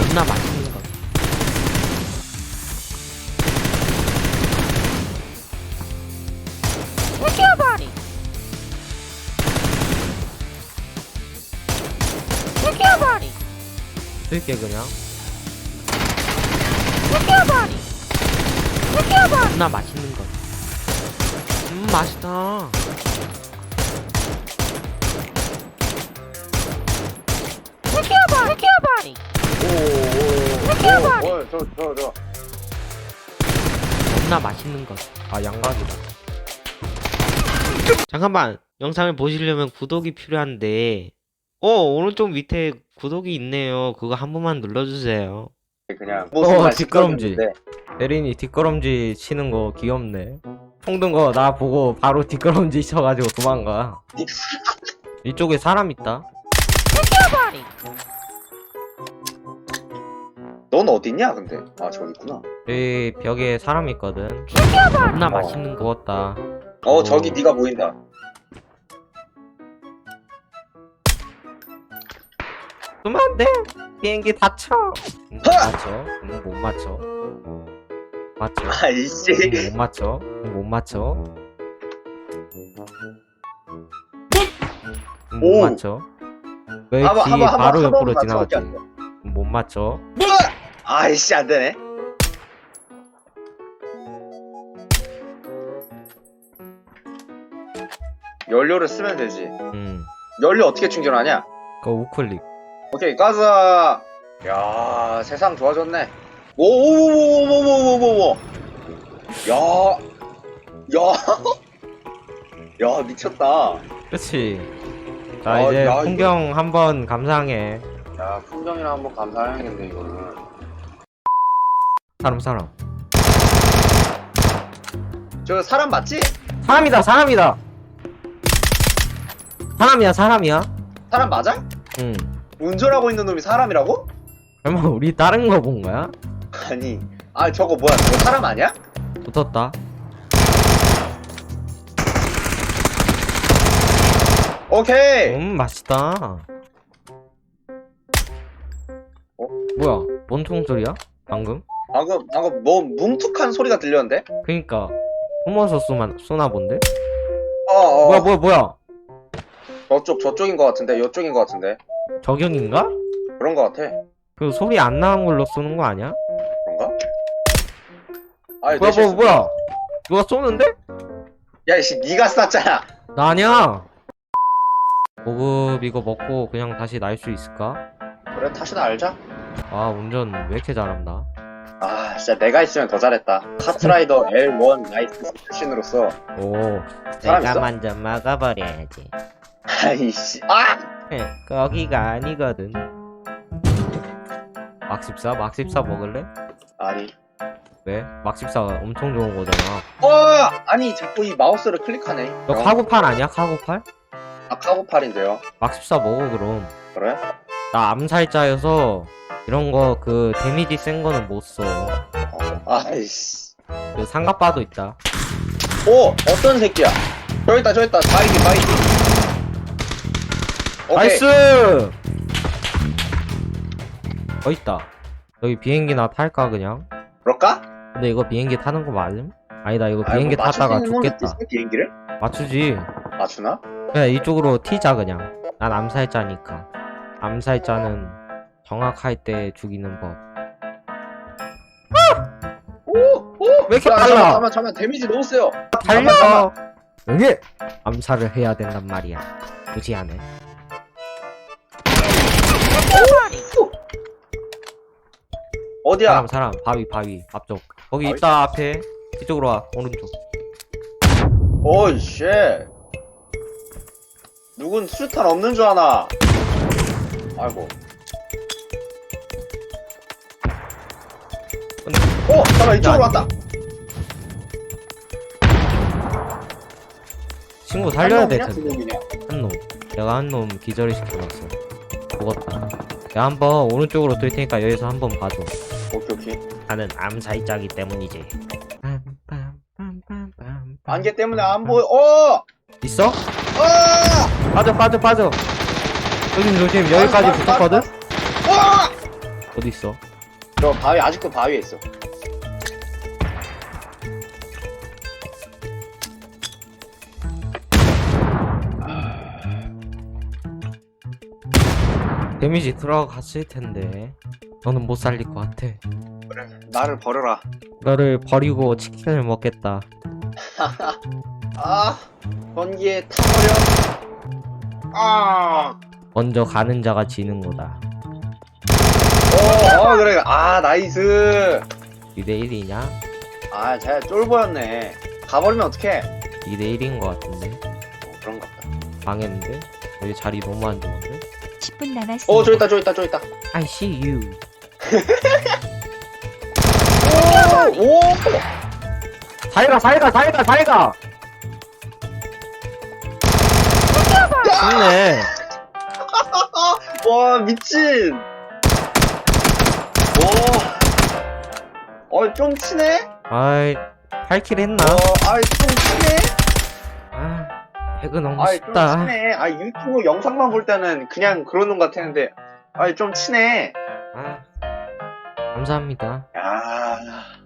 존나 맛있는 거. 죽여버리. 죽여버리. 쓸게 그냥. 죽여버리. 죽여버리. 존나 맛있는 거. 맛있다. 죽여버리. 죽여버리. 저. 존나 맛있는 거. 아 양각이다. 잠깐만. 영상을 보시려면 구독이 필요한데 오른쪽 밑에 구독이 있네요. 그거 한 번만 눌러주세요. 그냥 뒷걸음질. 에린이 뒷걸음질 치는 거 귀엽네. 총든 거 나 보고 바로 뒷걸음질 쳐가지고 도망가. 이쪽에 사람 있다. 죽여버리. 넌 어딨냐 근데? 아 저기 있구나. 여기 벽에 사람 있거든. 죽여버리. 존나 맛있는 거 같다. 저기 네가 보인다. 쏘면 안 돼. 비행기 다쳐. 못 맞춰. 못 맞춰. 맞춰. 아이씨. 못 맞춰. 못 맞춰. 못 오. 맞춰. 왜 뒤 바로 옆으로 지나갔지? 맞춰. 못 맞춰. 아이씨 안 되네. 연료를 쓰면 되지. 연료 어떻게 충전하냐? 그거 우클릭. 오케이 가자. 야 세상 좋아졌네. 오오오오오오오오오. 야 미쳤다. 그치. 자 이제 야, 풍경 한번 감상해. 야 풍경이랑 한번 감사해야겠네 이거는. 사람. 저 사람 맞지? 사람이다. 사람이야. 사람 맞아? 응. 운전하고 있는 놈이 사람이라고? 설마 우리 다른 거 본 거야? 아니 저거 뭐야 저거 사람 아니야? 붙었다. 오케이. 맛있다. 뭐야? 뭔 총소리야? 방금? 방금 뭐 뭉툭한 소리가 들렸는데? 그니까 숨어서 쏘나 본데? 어어 뭐야? 저쪽인 것 같은데 이쪽인 것 같은데 저격인가? 그런 것 같아. 그 소리 안 나는 걸로 쏘는 거 아니야? 그런가? 아니 뭐야? 누가 쏘는데? 야이씨 니가 쐈잖아. 나 아니야. 고급 이거 먹고 그냥 다시 날 수 있을까? 그래 다시 알자. 아 운전 왜 이렇게 잘한다. 아 진짜 내가 있으면 더 잘했다. 카트라이더 L1 라이트 출신으로서. 오, 사람 내가 있어? 먼저 막아버려야지. 아이씨 거기가 아니거든. 막14 먹을래? 아니 왜? 막14가 엄청 좋은 거잖아. 아니 자꾸 이 마우스를 클릭하네. 너 카고팔 아니야? 카고팔? 카고팔인데요. 막14 먹어 그럼. 그래? 나 암살자여서 이런 거 그 데미지 센 거는 못 써. 아이씨. 그 상갑바도 있다. 어떤 새끼야? 저기 있다 바이디. 오케이. 나이스! 있다. 여기 비행기나 탈까 그냥? 그럴까? 근데 이거 비행기 타는 거 맞음? 아니다 이거 아이고, 비행기 탔다가 맞출 수 있는 죽겠다. 놈이 있어, 비행기를? 맞추지. 맞추나? 그냥 이쪽으로 튀자 그냥. 난 암살자니까. 암살자는 정확할 때 죽이는 법. 왜 이렇게 빨라? 잠깐만 데미지 너무 세요. 달려! 여기! 암살을 해야 된단 말이야. 굳이 안 해. 어디야? 사람 바위 앞쪽 거기 바위? 있다. 앞에 이쪽으로 와. 오른쪽. 오이 쉣. 누군 수류탄 없는 줄 아나? 아이고. 잠깐 이쪽으로 왔다. 친구 살려야 될 한 텐데. 놈이냐? 한 놈. 내가 한 놈 기절을 시켜놨어. 죽었다. 야 한번 오른쪽으로 돌 테니까 여기서 한번 봐줘. 오케이. 나는 암살자기 때문이지. 안개 때문에 안 보여. 있어? 빠져. 조심. 여기까지 붙었거든? 어딨어? 저 바위 아직도 바위에 있어. 데미지 들어갔을 텐데 너는 못 살릴 것 같아. 나를 버려라. 너를 버리고 치킨을 먹겠다. 아, 번기에 타버려. 아, 먼저 가는 자가 지는 거다. 그래. 아, 나이스. 2대1이냐? 아, 쟤 쫄보였네. 가버리면 어떡해. 2대1인 것 같은데. 그런가 보다. 망했는데? 여기 자리 너무 안 좋은데? 10분 남았습니다. 저기 있다. I see you. 오! 살가! 좋네. 와, 미친. 좀 치네? 아이, 8킬 했나? 좀 치네? 아, 배그 너무 좀 쉽다. 치네. 유튜브 영상만 볼 때는 그냥 그러는 것 같았는데, 좀 치네. 아, 감사합니다. 야.